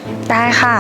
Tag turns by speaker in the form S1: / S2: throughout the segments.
S1: ได้ค่ะ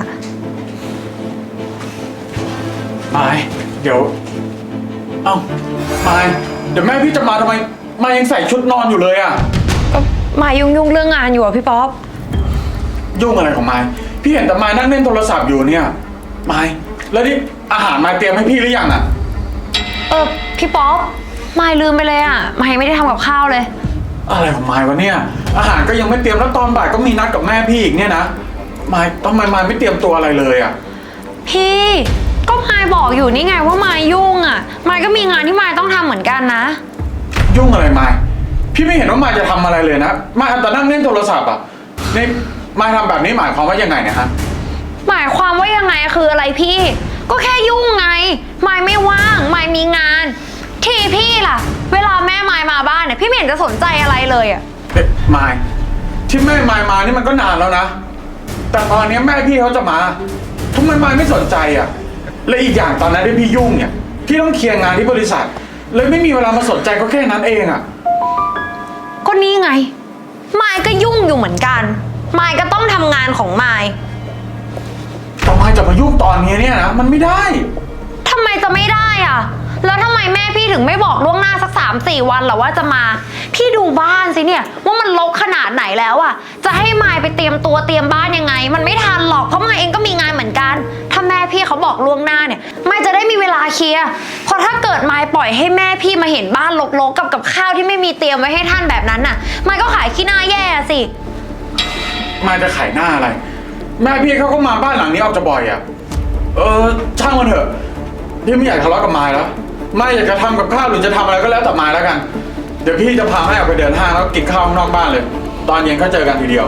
S2: มายเดี๋ยวเอ้ามายเดี๋ยวแม่พี่จะมาทำไมมายยังใส่ชุดนอนอยู่เลยอะ
S1: มายยุ่งเรื่องงานอยู่อะพี่ป๊อป
S2: ยุ่งอะไรของมายพี่เห็นแต่มายนั่งเล่นโทรศัพท์อยู่เนี่ยมายแล้วนี่อาหารมายเตรียมให้พี่หรือยังอะ
S1: พี่ป๊อปมายลืมไปเลยอะมายไม่ได้ทำกับข้าวเลย
S2: อะไรของมายวะเนี่ยอาหารก็ยังไม่เตรียมแล้วตอนบ่ายก็มีนัดกับแม่พี่อีกเนี่ยนะมายทำไมมายไม่เตรียมตัวอะไรเลยอะ
S1: พี่ก็มายบอกอยู่นี่ไงว่ามายยุ่งอะมายก็มีงานที่มายต้องทำเหมือนกันนะ
S2: ยุ่งอะไรมายพี่ไม่เห็นว่ามายจะทำอะไรเลยนะมายแต่นั่งเล่นโทรศัพท์อะนี่มายทำแบบนี้หมายความว่ายังไงเนี่ยฮะ
S1: หมายความว่ายังไงคืออะไรพี่ก็แค่ยุ่งไงมายไม่ว่างมายมีงานทีพี่ล่ะเวลาแม่มายมาบ้านเนี่ยพี่ไม่เห็นจะสนใจอะไรเลยอะ
S2: มายที่แม่มายมานี่มันก็นานแล้วนะแต่ตอนนี้แม่พี่เขาจะมาทำไมมายไม่สนใจอะและอีกอย่างตอนนั้นที่พี่ยุ่งเนี่ยพี่ต้องเคลียร์งานที่บริษัทเลยไม่มีเวลามาสนใจก็แค่นั้นเองอะ
S1: ก็นี่ไงมายก็ยุ่งอยู่เหมือนกันมายก็ต้องทำงานของมาย
S2: แต่มายจะมายุ่งตอนนี้เนี่ยนะมันไม่ได้
S1: ทำไมจะไม่ได้อะแล้วทำไมแม่พี่ถึงไม่บอกล่วงหน้าสัก3-4 วันหรอว่าจะมาพี่ดูบ้านสิเนี่ยว่ามันรกขนาดไหนแล้วอะจะให้มายไปเตรียมตัวเตรียมบ้านยังไงมันไม่ทันหรอกเพราะมายเองก็มีงานเหมือนกันถ้าแม่พี่เขาบอกล่วงหน้าเนี่ยมายจะได้มีเวลาเคลียร์เพราะถ้าเกิดมายปล่อยให้แม่พี่มาเห็นบ้านรกๆกับข้าวที่ไม่มีเตรียมไว้ให้ท่านแบบนั้นน่ะมายก็ขายขี้หน้าแย่สิ
S2: มายจะขายหน้าอะไรแม่พี่เขาก็มาบ้านหลังนี้ออกจะบ่อยอะช่างมันเถอะพี่ไม่อยากทะเลาะกับมายแล้วไม่อยากจะทำกับข้าวหรือจะทำอะไรก็แล้วแต่มายแล้วกันเดี๋ยวพี่จะพาแม่ออกไปเดินห้างแล้วกินข้าวข้างนอกบ้านเลยตอนเย็นก็เจอกันทีเดียว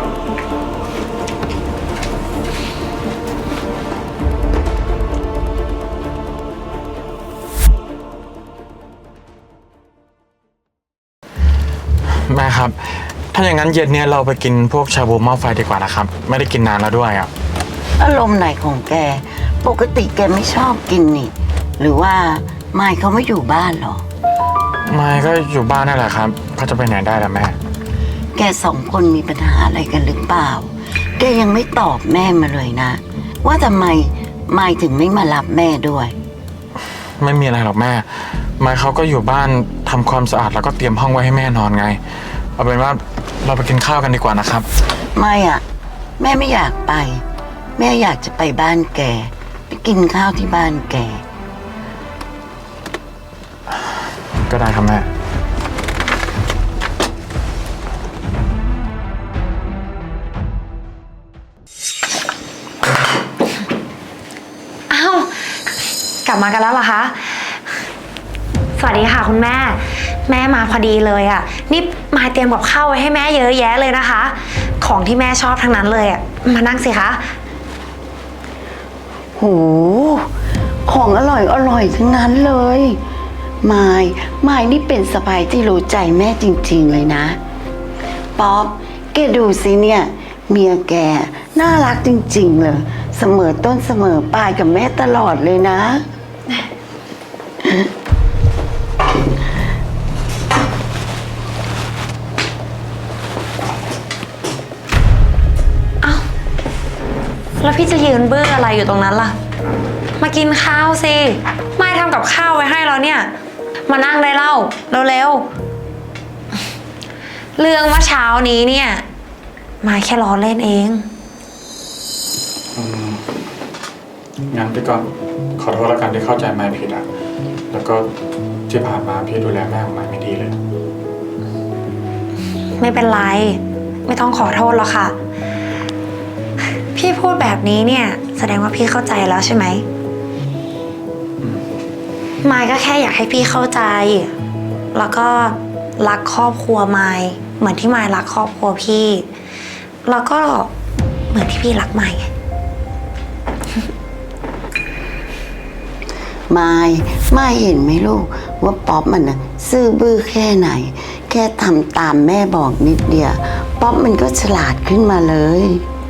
S2: แม่ครับถ้าอย่างนั้นเย็นเนี่ยเราไปกินพวกชาบูหม้อไฟดีกว่านะครับไม่ได้กินนานแล้วด้วยอ่ะ
S3: อารมณ์ไหนของแกปกติแกไม่ชอบกินนี่หรือว่าไมค์เขาไม่อยู่บ้านหรอ
S2: ไม่ก็อยู่บ้านนั่นแหละครับเขาจะไปไหนได้ล่ะแม่
S3: แก2 คนมีปัญหาอะไรกันหรือเปล่าแกยังไม่ตอบแม่มาเลยนะว่าทำไมไมค์ถึงไม่มารับแม่ด้วย
S2: ไม่มีอะไรหรอกแม่ไมค์เขาก็อยู่บ้านทำความสะอาดแล้วก็เตรียมห้องไว้ให้แม่นอนไงเอาเป็นว่าเราไปกินข้าวกันดีกว่านะครับ
S3: ไม่อะแม่ไม่อยากไปแม่อยากจะไปบ้านแกไปกินข้าวที่บ้านแก
S2: ก็ได้ครับแม่
S1: อ้าวกลับมากันแล้วเหรอคะสวัสดีค่ะคุณแม่แม่มาพอดีเลยอ่ะนี่มาเตรียมกับข้าวไว้ให้แม่เยอะแยะเลยนะคะของที่แม่ชอบทั้งนั้นเลยอ่ะมานั่งสิคะ
S3: โหของอร่อยทั้งนั้นเลยมายนี่เป็นสะใภ้ที่รู้ใจแม่จริงๆเลยนะป๊อปแกดูสิเนี่ยเมียแกน่ารักจริงๆเลยเสมอต้นเสมอปลายกับแม่ตลอดเลยนะ
S1: แล้วพี่จะยืนเบื้ออะไรอยู่ตรงนั้นล่ะมากินข้าวสิไม่ทำกับข้าวไว้ให้เราเนี่ยมานั่งได้เล่าเร็วๆเรื่องเมื่อเช้านี้เนี่ยมาแค่ล้อเล่นเอง
S2: งั้นพี่ก็ขอโทษแล้วกันที่เข้าใจไม่ผิดอ่ะแล้วก็ที่ผ่านมาพี่ดูแลแม่ของไม่ดีเลย
S1: ไม่เป็นไรไม่ต้องขอโทษหรอกค่ะพี่พูดแบบนี้เนี่ยแสดงว่าพี่เข้าใจแล้วใช่ไหมมายก็แค่อยากให้พี่เข้าใจแล้วก็รักครอบครัวมายเหมือนที่มายรักครอบครัวพี่แล้วก็เหมือนที่พี่รักมายไง
S3: มายเห็นไหมลูกว่าป๊อปมันนะซื่อบื้อแค่ไหนแค่ทำตามแม่บอกนิดเดียวป๊อปมันก็ฉลาดขึ้นมาเลย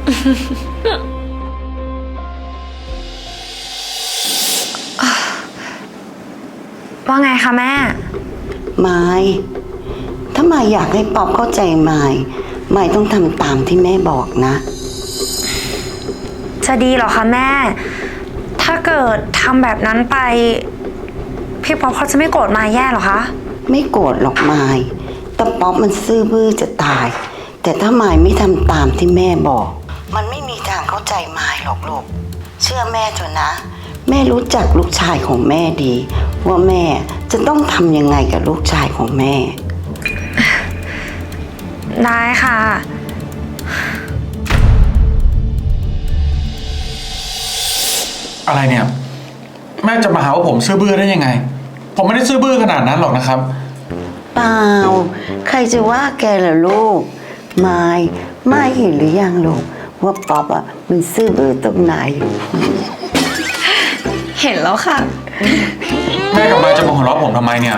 S1: ว่าไงคะแม่
S3: มายถ้ามายอยากให้ป๊อปเข้าใจมายต้องทำตามที่แม่บอกนะ
S1: จะดีเหรอคะแม่ ถ้าเกิดทำแบบนั้นไป พี่ป๊อปเขาจะไม่โกรธมายแย่เหรอคะ
S3: ไม่โกรธหรอกมายแต่ป๊อปมันซื่อบื้อจะตาย แต่ถ้ามายไม่ทำตามที่แม่บอก มันไม่มีทางเข้าใจมายหรอกลูก เชื่อแม่เถอะนะ แม่รู้จักลูกชายของแม่ดี ว่าแม่จะต้องทำยังไงกับลูกชายของแม่
S1: ได้ค่ะ
S2: อะไรเนี่ย แม่จะมาหาว่าผมซื่อบื้อได้ยังไง ผมไม่ได้ซื่อบื้อขนาดนั้นหรอกนะครับ
S3: เปล่า ใครจะว่าแกล่ะลูกไม่เห็นหรือยังลูกว่าป๊อปอ่ะมันซื่อบื้อตรงไหน
S1: เห็นแล้วค่ะ
S2: แม่กับมายจะมาหัวเราะผมทำไมเนี่ย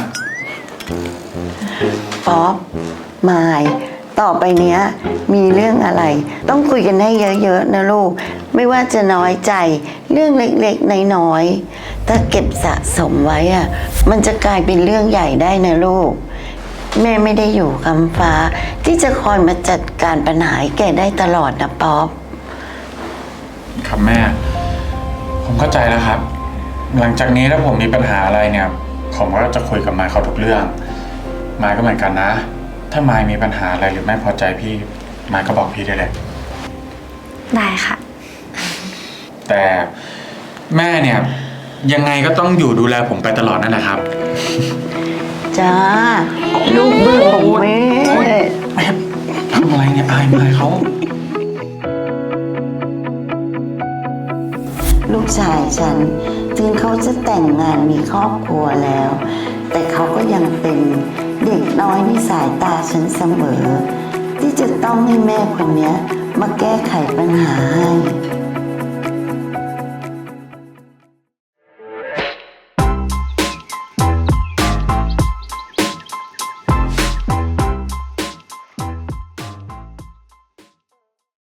S3: ป๊อปมายต่อไปเนี้ย มีเรื่องอะไร ต้องคุยกันให้เยอะๆนะลูก ไม่ว่าจะน้อยใจเรื่องเล็กๆน้อยๆถ้าเก็บสะสมไว้อ่ะ มันจะกลายเป็นเรื่องใหญ่ได้นะลูก แม่ไม่ได้อยู่คำฟ้า ที่จะคอยมาจัดการปัญหาให้แกได้ตลอดนะป๊อป
S2: ครับแม่ ผมเข้าใจแล้วครับ หลังจากนี้ถ้าผมมีปัญหาอะไรเนี่ย ผมก็จะคุยกับมายเขาทุกเรื่อง มายก็เหมือนกันนะ ถ้ามายมีปัญหาอะไรหรือไม่พอใจพี่ มายก็บอกพี่ได้เลย
S1: ได้ค่ะ
S2: แต่แม่เนี่ยยังไงก็ต้องอยู่ดูแลผมไปตลอดนั่นแหละครับ
S3: จ้า ลูกบื้อของแม่
S2: แม่ทำอะไรเนี่ยอายมายเขา
S3: ลูกชายฉันถึงเขาจะแต่งงานมีครอบครัวแล้ว แต่เขาก็ยังเป็นเด็กน้อยในสายตาฉันเสมอ ที่จะต้องให้แม่คนเนี้ยมาแก้ไขปัญหาให้